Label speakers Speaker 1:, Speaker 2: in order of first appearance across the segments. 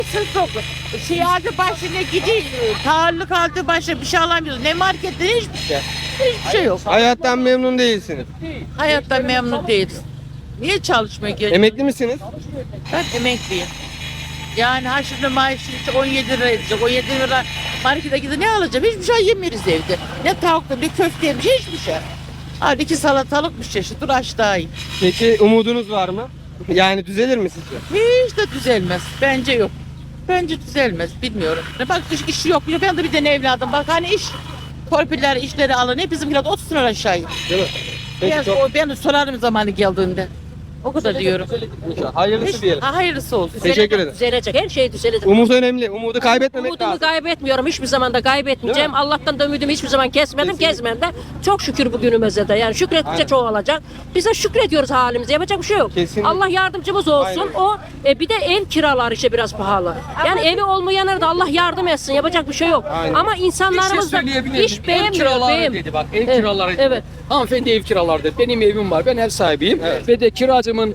Speaker 1: Sırf yok. Şey aldı başına gidiyor. Tarlık aldı başına bir şey alamıyoruz. Ne marketten hiçbir şey. Hiçbir şey yok.
Speaker 2: Hayattan memnun değilsiniz.
Speaker 1: Hayattan memnun değiliz. Niye çalışmaya geliyorsun?
Speaker 2: Emekli misiniz?
Speaker 1: Ben emekliyim. Yani ha şimdi maaşı işte 17 lira edecek. 17 lira markete gidip ne alacağım? Hiçbir şey yemiyoruz evde. Ne tavuklu ne köfte yemiş hiçbir şey. Hadi iki salatalık bir çeşit. Dur aç daha iyi.
Speaker 2: Peki umudunuz var mı? Yani düzelir mi sizce?
Speaker 1: Hiç de düzelmez. Bence yok. Bence düzelmez. Bilmiyorum. Bak iş yok. Ben de bir tane evladım. Bak hani iş torpiller işleri alın. Hep bizimkiler 30 lira aşağı.
Speaker 2: Değil mi? Peki çok
Speaker 1: Ben sorarım zamanı geldiğinde. O kadar diyorum.
Speaker 2: hayırlısı diyelim.
Speaker 1: Hayırlısı olsun.
Speaker 2: Teşekkür ederim.
Speaker 3: Düzelecek. Her şey düzelecek.
Speaker 2: Umut önemli. Umudu kaybetmemek
Speaker 3: Umudumu
Speaker 2: lazım.
Speaker 3: kaybetmiyorum. Hiçbir zaman da kaybetmeyeceğim. Allah'tan da ümidimi hiçbir zaman kesmedim. Kesmem de. Çok şükür bugünümüze de. Yani şükrettikçe
Speaker 2: Aynen.
Speaker 3: çoğalacak. Biz de şükrediyoruz halimize. Yapacak bir şey yok.
Speaker 2: Kesinlikle.
Speaker 3: Allah yardımcımız olsun.
Speaker 2: Aynen.
Speaker 3: Bir de ev kiraları işte biraz pahalı. Yani evi olmayanlara da Allah yardım etsin. Yapacak bir şey yok.
Speaker 2: Aynen.
Speaker 3: Ama insanlarımız da hiç beğenmiyor.
Speaker 4: Dedi bak, ev
Speaker 3: Evet,
Speaker 4: kiraları dedi.
Speaker 3: evet.
Speaker 4: Hanımefendi ev kiraları dedi. Benim evim var. Ben ev sahibiyim.
Speaker 2: Evet.
Speaker 4: Ve de kiracımın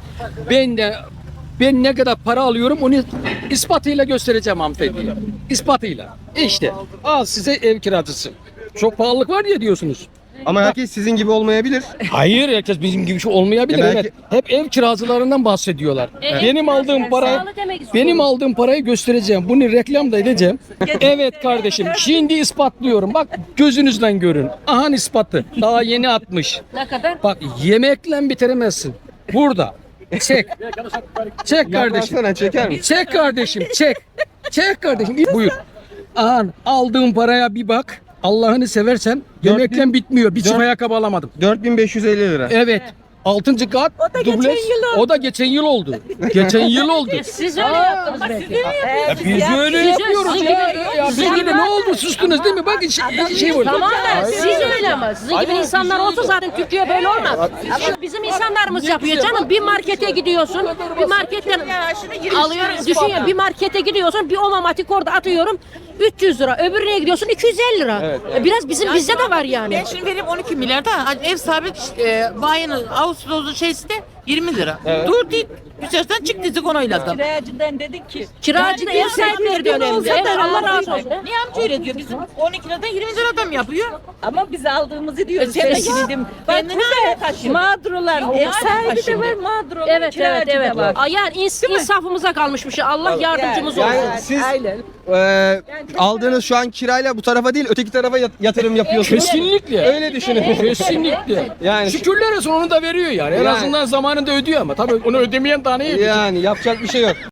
Speaker 4: ben ne kadar para alıyorum onu ispatıyla göstereceğim hanımefendiye. İspatıyla. İşte al size ev kiracısı. Çok pahalılık var ya diyorsunuz.
Speaker 2: Ama herkes sizin gibi olmayabilir.
Speaker 4: Hayır, herkes bizim gibi şey olmayabilir.
Speaker 2: Belki-
Speaker 4: Evet. Hep ev kiracılarından bahsediyorlar.
Speaker 3: Evet.
Speaker 4: Benim aldığım parayı
Speaker 3: Sağlık demek istiyorum.
Speaker 4: benim aldığım parayı göstereceğim. Bunu reklam da edeceğim. Evet kardeşim. Şimdi ispatlıyorum. Bak gözünüzden görün. Aha ispatı. Daha yeni atmış.
Speaker 3: Ne kadar?
Speaker 4: Bak yemekle bitiremezsin. Burada. Çek. Çek kardeşim.
Speaker 2: Yaklaşsana, çeker misin?
Speaker 4: Çek kardeşim. Çek. Çek kardeşim. Buyur. Aha aldığım paraya bir bak. Allah'ını seversen yemekle bitmiyor. Bir çift
Speaker 2: Dört-
Speaker 4: ayakkabı alamadım.
Speaker 2: 4550 lira.
Speaker 4: Evet. 6. kat dubleks. O da geçen yıl oldu. Geçen yıl oldu.
Speaker 3: Siz öyle yaptınız belki.
Speaker 4: Biz öyle
Speaker 3: Siz-
Speaker 4: yapıyoruz
Speaker 3: sizin
Speaker 4: ya.
Speaker 3: gibi-
Speaker 4: Ya
Speaker 3: sizin
Speaker 4: biz
Speaker 3: gibi-
Speaker 4: de ne oldu? Sustunuz değil mi? Bak şey oldu.
Speaker 3: Tamam da siz öyle ama sizin gibi insanlar olsa zaten Türkiye böyle olmaz. Ama bizim insanlarımız yapıyor canım. Bir markete gidiyorsun, bir marketten alıyorsun. Düşün ya bir markete gidiyorsun, bir omamatik orada atıyorum 300 lira. Öbürüne gidiyorsun 250 lira. Biraz bizde de var yani.
Speaker 1: Ben şimdi vereyim 12 milyar da ev sahibi bayanın Ağustos'un şeysi de 20 lira. Dur deyip güzelden çıktı onayladım.
Speaker 5: Kiracıdan dedik ki
Speaker 3: Kiracı da ev sahipleri de önemli. Evet, Allah razı olsun.
Speaker 1: Niye amca öyle diyor? Bizim 12 liradan 20 liradan mı yapıyor?
Speaker 5: ama biz aldığımızı diyoruz.
Speaker 1: Sen de
Speaker 5: dedim. Bak
Speaker 1: kendini nereye taşıyorsun?
Speaker 5: mağdurlar. Ev sahibi de var, mağdur olan
Speaker 3: Evet
Speaker 5: kiracı
Speaker 3: evet
Speaker 5: da var.
Speaker 3: evet. Yani insafımıza kalmış bir şey. Allah yardımcımız olsun.
Speaker 2: Yani siz
Speaker 5: Aynen.
Speaker 2: aldığınız şu an kirayla bu tarafa değil öteki tarafa yatırım yapıyorsunuz.
Speaker 4: Kesinlikle.
Speaker 2: Öyle düşünün.
Speaker 4: Kesinlikle.
Speaker 2: Yani-
Speaker 4: Şükürler olsun onu da veriyor yani. En
Speaker 2: Yani-
Speaker 4: azından zamanında ödüyor ama tabii onu ödemeyen daha ne yapacak?
Speaker 2: Yani yapacak bir şey yok.